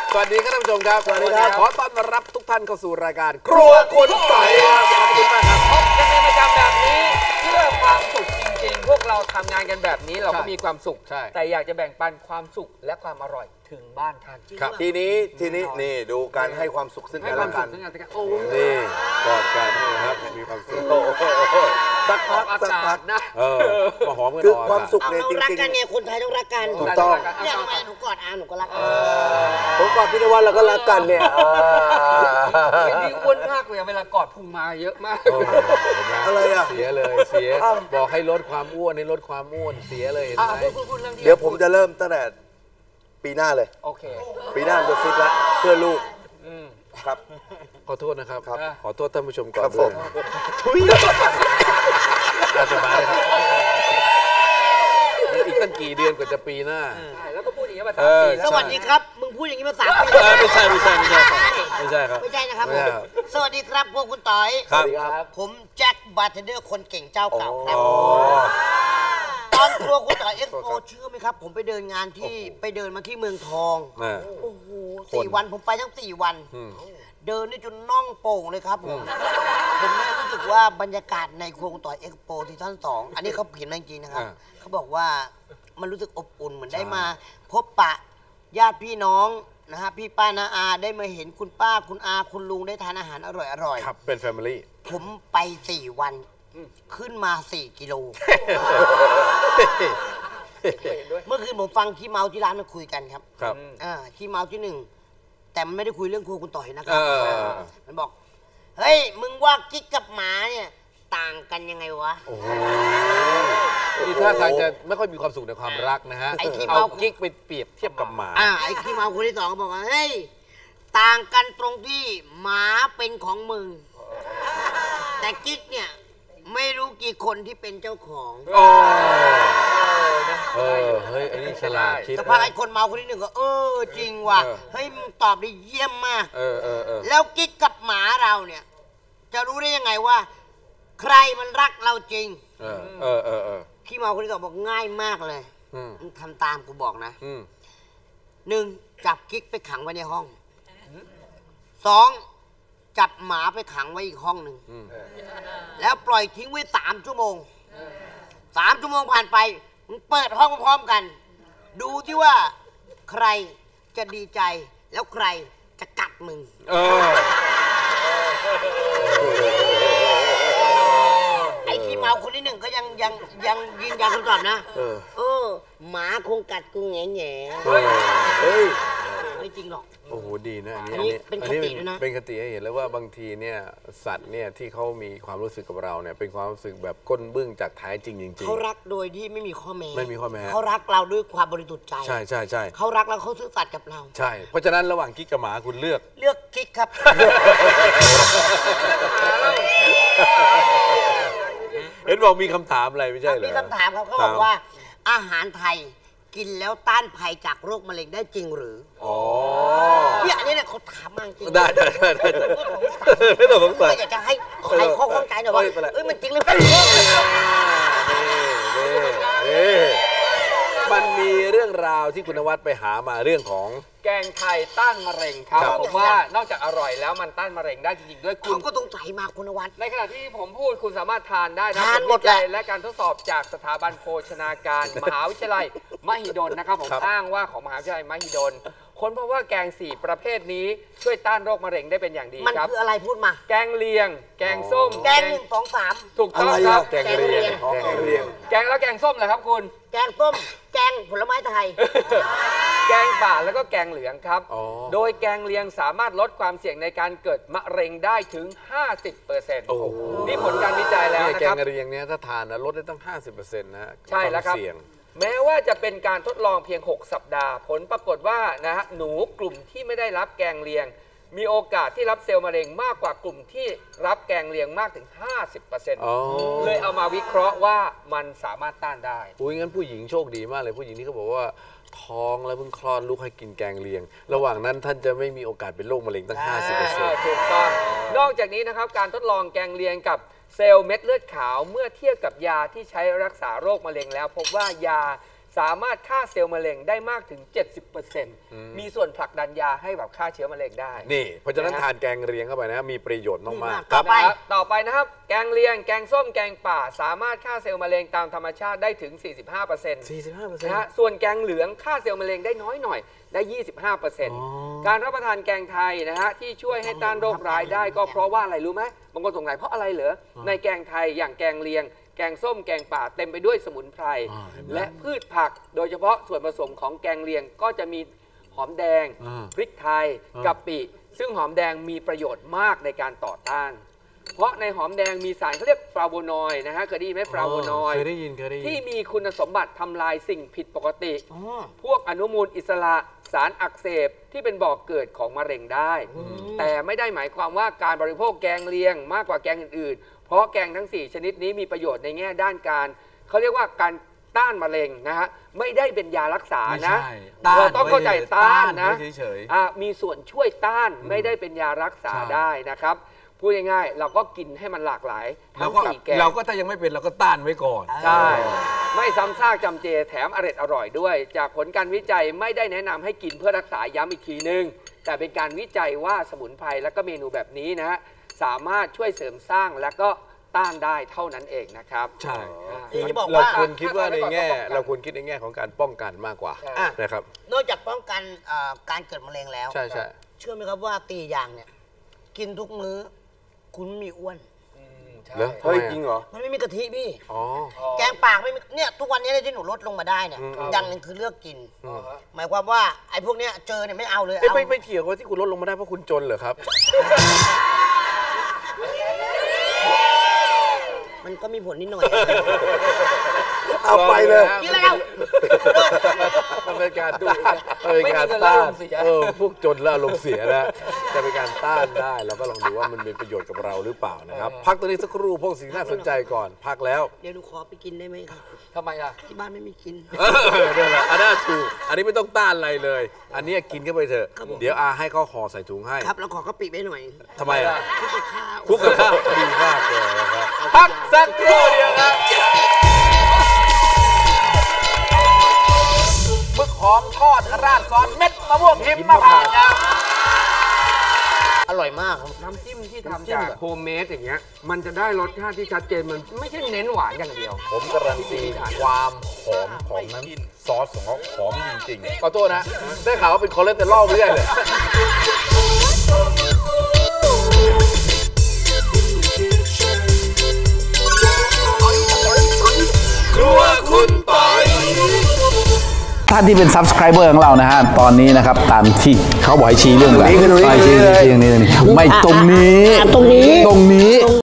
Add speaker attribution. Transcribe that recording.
Speaker 1: สวัสดีครับท่านผู้ชมครับ
Speaker 2: สวัสดีครับ
Speaker 1: ขอต้อนรับทุกท่านเข้าสู่รายการครัวคุณต่อยครับขอบคุณมากครับ
Speaker 3: พบกันเป็นประจำแบบนี้เพื่อความสุขจริงๆพวกเราทำงานกันแบบนี้เราก็มีความสุขแต่อยากจะแบ่งปันความสุขและความอร่อยถึงบ้านท่าน
Speaker 2: ทีนี้นี่ดูการให้ความสุขซึ่ง
Speaker 3: ให้
Speaker 2: กัน
Speaker 3: ควา
Speaker 2: และ
Speaker 3: มสุ
Speaker 2: กั
Speaker 3: ข
Speaker 2: น
Speaker 3: ซึ่งกันและกันโอ้
Speaker 1: นี่กอดกันนะครับมีความสุข
Speaker 2: สัก
Speaker 3: อ
Speaker 2: พั
Speaker 3: อก กอา
Speaker 2: สัก
Speaker 3: กา
Speaker 2: พั
Speaker 3: ศ
Speaker 2: ก
Speaker 3: นะ
Speaker 1: มาหอมกัน
Speaker 2: คือ
Speaker 1: ออก
Speaker 2: ความสุข
Speaker 4: เอา
Speaker 2: เนี่ย
Speaker 4: เรา
Speaker 2: จ
Speaker 4: รัก
Speaker 2: ริง
Speaker 4: กันไงคนไทยต้องรักกัน
Speaker 2: ถูกต้อง
Speaker 4: เนี่ยทำไมหนูกอดอาหนูก็รักอา
Speaker 2: ๆผมก่อนพี่นวัดเราก็รักกันเนี่ย
Speaker 3: นี่อ้วนมากเลยเวลากอดพุงมาเยอะมาก
Speaker 2: อะไรอ่ะ
Speaker 1: เสียเลยเสียบอกให้ลดความอ้วนให้ลดความอ้วนเสียเลยเห็นไหม
Speaker 3: พูดเรื่องที่
Speaker 2: เดี๋ยวผมจะเริ่มตั้งแต่ปีหน้าเลย
Speaker 3: โอเค
Speaker 2: ปีหน้าผมจะฟิตละเพื่อลูกครับ
Speaker 1: ขอโทษนะครับ
Speaker 2: ครับ
Speaker 1: ขอโทษท่านผู้ชมก่อน
Speaker 2: ครับผม
Speaker 1: ทุยอาจจะมาเลยครับมันอีกตั้งกี่เดือนกว่าจะปีหน้า
Speaker 3: ใช่แล้วก็พูดอย่างนี้มา3 ปีแล้
Speaker 4: ส
Speaker 3: ว
Speaker 4: วัสดีครับ มึงพูดอย่างนี้มา3 ปี
Speaker 1: ไม่ใช่ไม่ใช่ไม่ใช่ไม่ใช่ครับ
Speaker 4: ไม่ใช่นะครับ
Speaker 1: ไม่
Speaker 4: ผม
Speaker 1: ใช่ครับ
Speaker 4: สวัสดีครับพวกคุณต่อย
Speaker 1: ครับ
Speaker 4: ผมแจ็คบาร์เทนเดอร์คนเก่งเจ้าเก่าครับ
Speaker 1: อ๋อ
Speaker 4: ตอนครัวคุณต่อยเอ็กซ์โปเชื่อไหมครับ ผมไปเดินงานที่ไปเดินมาที่เมืองทอง
Speaker 1: อ่า
Speaker 4: โอ้โห4 วันผมไปทั้ง4 วัน
Speaker 1: อืม
Speaker 4: เดินนี่จนน่องโป่งเลยครับผมเนี่ยรู้สึกว่าบรรยากาศในครัวคุณต่อยเอ็กซ์โปที่ท่าน2อันนี้เขาเขียนมาจริงๆนะครับ เขาบอกว่ามันรู้สึกอบอุ่นเหมือนได้มา พบปะญาติพี่น้องนะฮะพี่ป้าน้าอาได้มาเห็นคุณป้าคุณอาคุณลุงได้ทานอาหารอร่อย
Speaker 1: ครับเป็นแฟมิลี่
Speaker 4: ๆผมไป4 วันขึ้นมา4 กิโล เมื่อคืนผมฟังขี้เมาที่ร้านมันคุยกันครับ
Speaker 1: ครับ
Speaker 4: ขี้เมาที่ 1 แต่มันไม่ได้คุยเรื่องครัวคุณต่อยนะครั
Speaker 1: เออ
Speaker 4: มันบอกเฮ้ยมึงว่ากิ๊กกับหมาเนี่ยต่างกันยังไงวะ
Speaker 1: โอ้โหนี่ท่าทางจะไม่ค่อยมีความสุขในความรักนะฮะ
Speaker 4: ไอ้ที่
Speaker 1: เอา
Speaker 4: เมา
Speaker 1: กิ๊กไปเปรียบเทียบกับหมา
Speaker 4: ไอ้ขี้เมาคนที่ 2ก็บอกว่าเฮ้ยต่างกันตรงที่หมาเป็นของมึง แต่กิ๊กเนี่ยไม่รู้กี่คนที่เป็นเจ้าของ
Speaker 1: โอ้เฮ้ยอันนี้ฉลาดคิด
Speaker 4: แต่พอไอ้คนเมาคนที่ 1ก็จริงว่ะเฮ้ยมึงตอบได้เยี่ยมมาก
Speaker 1: เออ
Speaker 4: แล้วกิ๊กกับหมาเราเนี่ยจะรู้ได้ยังไงว่า ใครมันรักเราจริง
Speaker 1: เออ
Speaker 4: ขี้เมาคนที่ 2บอกง่ายมากเลย
Speaker 1: อืม
Speaker 4: มึงทำตามกูบอกนะ
Speaker 1: อืม
Speaker 4: 1. จับกิ๊กไปขังไว้ในห้อง 2. จับหมาไปขังไว้อีกห้องหนึ่ง แล้วปล่อยทิ้งไว้3 ชั่วโมง 3 ชั่วโมงผ่านไปมึงเปิดห้องพร้อมๆกัน ดูที่ว่าใครจะดีใจแล้วใครจะกัดมึง ไอ้ขี้เมาคนที่ 1ก็ยังยืนยันคำตอบนะหมาคงกัดกูแง่แง่
Speaker 1: เฮ้ย
Speaker 4: ไม่จริงหรอก
Speaker 1: โอ้โหดีนะ
Speaker 4: อันนี้เป็นคติด้วยนะ
Speaker 1: เป็นคติให้เห็นแล้วว่าบางทีเนี่ยสัตว์เนี่ยที่เขามีความรู้สึกกับเราเนี่ยเป็นความรู้สึกแบบก้นบึ้งจากแท้จริงจริง
Speaker 4: เขารักโดยที่ไม่มีข้อแม้
Speaker 1: ไม่มีข้อแม้
Speaker 4: เขารักเราด้วยความบริสุทธิ์ใจ
Speaker 1: ใช่ใช่ใช่
Speaker 4: เขารักแล้วเขาซื่อสัตย์กับเรา
Speaker 1: ใช่เพราะฉะนั้นระหว่างกิ๊กกับหมาคุณเลือก
Speaker 4: เลือกกิ๊กครับ
Speaker 1: เห็นบอกมีคำถามอะไรไม่ใช่เหรอ
Speaker 4: มีคำถามครับเขาบอกว่า อาหารไทยกินแล้วต้านภัยจากโรคมะเร็งได้จริงหรือ
Speaker 1: อ๋อ
Speaker 4: เนี่ยอันนี้เนี่ยเขาถามมาจริง
Speaker 1: ได้ไม่ต้องสงสัย
Speaker 4: อยากจะให้ใครข้อข้องใจหน่อยว่า
Speaker 1: ไม่เป็นไร
Speaker 4: มันจริงหรือเปล่า
Speaker 1: มันมีเรื่องราวที่คุณนวัดไปหามาเรื่องของ
Speaker 3: แกงไทยต้านมะเร็งครับ
Speaker 1: ครับ
Speaker 3: ผมว่านอกจากอร่อยแล้วมันต้านมะเร็งได้จริงๆด้วยคุ
Speaker 4: เขา
Speaker 3: ณ
Speaker 4: ก็ต้องใส่มาคุณวัฒน์
Speaker 3: ในขณะที่ผมพูดคุณสามารถทานได้นะ
Speaker 4: ทานหมด
Speaker 3: ผลวิจัย
Speaker 4: แหละ
Speaker 3: และการทดสอบจากสถาบันโภชนาการ มหาวิทยาลัยมหิดลนะครับผม
Speaker 1: ครับ
Speaker 3: อ้างว่าของมหาวิทยาลัยมหิดลค้นพบว่าแกง4 ประเภทนี้ช่วยต้านโรคมะเร็งได้เป็นอย่างดี
Speaker 4: มัน
Speaker 3: ครับ
Speaker 4: คืออะไรพูดมา
Speaker 3: แกงเลียง แกงส้ม
Speaker 4: แกง1 2 3
Speaker 3: ถูกต้อง
Speaker 2: อะไร
Speaker 3: ครั
Speaker 2: อะ
Speaker 3: บ
Speaker 1: แกงเรียง
Speaker 2: แกงเรียง
Speaker 3: แกงแล้วแกงส้มเหรอครับคุณ
Speaker 4: แกงส้มแกงผลไม้ไทย
Speaker 3: แกงป่าแล้วก็แกงเหลืองครับ
Speaker 1: อ๋อ
Speaker 3: โดยแกงเลียงสามารถลดความเสี่ยงในการเกิดมะเร็งได้ถึง 50%
Speaker 1: โอ้โห
Speaker 3: นี่ผลการวิจัยแล้ว
Speaker 1: เนี่ย
Speaker 3: นะ
Speaker 1: แก
Speaker 3: ครั
Speaker 1: ง
Speaker 3: บ
Speaker 1: เรียงเนี่ยถ้าทานนะลดได้ตั้ง 50%นะฮะ
Speaker 3: ใช่แล้วครับ
Speaker 1: วามเสี่ยง
Speaker 3: แม้ว่าจะเป็นการทดลองเพียง 6 สัปดาห์ ผลปรากฏว่านะฮะหนูกลุ่มที่ไม่ได้รับแกงเลียง มีโอกาสที่รับเซลล์มะเร็งมากกว่ากลุ่มที่รับแกงเลียงมากถึง
Speaker 1: อ๋อ
Speaker 3: 50%เลยเอามาวิเคราะห์ว่ามันสามารถต้านได้
Speaker 1: อุ้ยงั้นผู้หญิงโชคดีมากเลยผู้หญิงที่เขาบอกว่าท้องแล้วเพิ่งคลอดลูกให้กินแกงเลียง ระหว่างนั้นท่านจะไม่มีโอกาสเป็นโรคมะเร็งตั้ง 50%
Speaker 3: ถูกต้องนอกจากนี้นะครับการทดลองแกงเลียงกับเซลล์เม็ดเลือดขาวเมื่อเทียบกับยาที่ใช้รักษาโรคมะเร็งแล้ว พบว่ายาสามารถฆ่าเซลล์มะเร็งได้มากถึง 70%มีส่วนผลักดันยาให้แบบฆ่าเชื้อมะเร็งได้
Speaker 1: นี่เพราะฉะนั้นทานแกงเลียงเข้าไปนะมีประโยชน์มากๆ
Speaker 4: ต่อไป
Speaker 3: ต่อไปนะครับ แกงเลียง แกงส้ม แกงป่า สามารถฆ่าเซลล์มะเร็งตามธรรมชาติได้ถึง 45%นะฮะส่วนแกงเหลืองฆ่าเซลล์มะเร็งได้น้อยหน่อยได้ 25%การรับประทานแกงไทยนะฮะที่ช่วยให้ต้านโรคร้ายได้ก็เพราะว่าอะไรรู้ไหมบางคนสงสัยเพราะอะไรเหรอในแกงไทยอย่างแกงเลียงแกงส้มแกงป่าเต็มไปด้วยสมุนไพรและพืชผักโดยเฉพาะส่วนผสมของแกงเลียงก็จะมีหอมแดงพริกไทยกะปิซึ่งหอมแดงมีประโยชน์มากในการต่อต้านเพราะในหอมแดงมีสารเขาเรียกฟลาโวนอยด์นะฮะเคยได้ยินไหมฟลาโวนอยด์
Speaker 1: เคยได้ยิน
Speaker 3: ที่มีคุณสมบัติทำลายสิ่งผิดปกติพวกอนุมูลอิสระสารอักเสบที่เป็นบ่อกเกิดของมะเร็งได้แต่ไม่ได้หมายความว่าการบริโภคแกงเลียงมากกว่าแกงอื่นๆเพราะแกงทั้ง4ชนิดนี้มีประโยชน์ในแง่ด้านการเขาเรียกว่าการต้านมะเร็งนะฮะไม่ได้เป็นยารักษานะเราต้องเข้าใจต้านนะมีส่วนช่วยต้านไม่ได้เป็นยารักษาได้นะครับพูดง่ายๆเราก็กินให้มันหลากหลายทั้ง4แกง
Speaker 1: เราก็ถ้ายังไม่เป็นเราก็ต้านไว้ก่อน
Speaker 3: ใช่ไม่ซ้ำซากจำเจแถมอร่อยด้วยจากผลการวิจัยไม่ได้แนะนำให้กินเพื่อรักษาย้ำอีกทีนึงแต่เป็นการวิจัยว่าสมุนไพรและก็เมนูแบบนี้นะฮะสามารถช่วยเสริมสร้างและก็ต้านได้เท่านั้นเองนะครับ
Speaker 1: ใช่
Speaker 4: เรา
Speaker 1: ควรคิดว่าในแง่เราควรคิดในแง่ของการป้องกันมากกว่านะครับ
Speaker 4: นอกจากป้องกันการเกิดมะเร็งแล้ว
Speaker 1: ใช่
Speaker 4: เชื่อไหมครับว่าตีอย่างเนี่ยกินทุกมื้อคุณไม่มีอ้วน
Speaker 2: เฮ้ยจริงเหรอ
Speaker 4: มันไม่มีกะทิพี่แกงปากไม่มีเนี่ยทุกวันนี้ที่หนูลดลงมาได้เนี่ยอย่างหนึ่งคือเลือกกินหมายความว่าไอ้พวกเนี้ยเจอเนี่ยไม่เอาเลย
Speaker 1: ไม่เกี่ยวกับที่คุณลดลงมาได้เพราะคุณจนเหรอครับ
Speaker 4: มันก็มีผลนิดหน่อย
Speaker 2: เอาไปเลย
Speaker 4: นี่แล้ว
Speaker 1: มันเป็นการต้านพวกจนแล้วอารมณ์เสียแล้วจะเป็นการต้านได้เราก็ลองดูว่ามันเป็นประโยชน์กับเราหรือเปล่านะครับพักตัวนี้สักครู่พวกสิ่งน่าสนใจก่อนพักแล้ว
Speaker 4: เดี๋ยวหนูขอไปกินได้ไหมครับ
Speaker 3: ทำไมล่ะ
Speaker 4: ที่บ้านไม่มีกิน
Speaker 1: นี่แหละอันนั้นถูกอันนี้ไม่ต้องต้านอะไรเลยอันนี้กินเข้าไปเถอะเดี๋ยวให้เขาห่อใส่ถุงให้
Speaker 4: ครับเราขอกะปิไปหน่อย
Speaker 1: ทำไมอ่ะ
Speaker 4: คลุกกับข้าว
Speaker 1: ดีมากเลยนะครับพักสักครู่เดียวครับ
Speaker 3: หมึกหอมทอดราดซอสเม็ดมะม่วงหิมพานต์ครับ
Speaker 4: อร่อยมากครับ
Speaker 3: น้ำจิ้มที่ทำจากโฮมเมดอย่างเงี้ยมันจะได้รสชาติที่ชัดเจนมันไม่ใช่เน้นหวานอย่างเดียว
Speaker 1: ผมการันตีความหอมของน้ำซอสของเขาหอมจริงๆขอโทษนะได้ข่าวว่าเป็นคอเลสเตอรอลเรื่อยเลยครัวคุณปอยท่านที่เป็น Subscriber ของเรานะฮะตอนนี้นะครับตามที่เขาบอกให้ชี้เรื่องแบบชี้ไม่ตรงนี้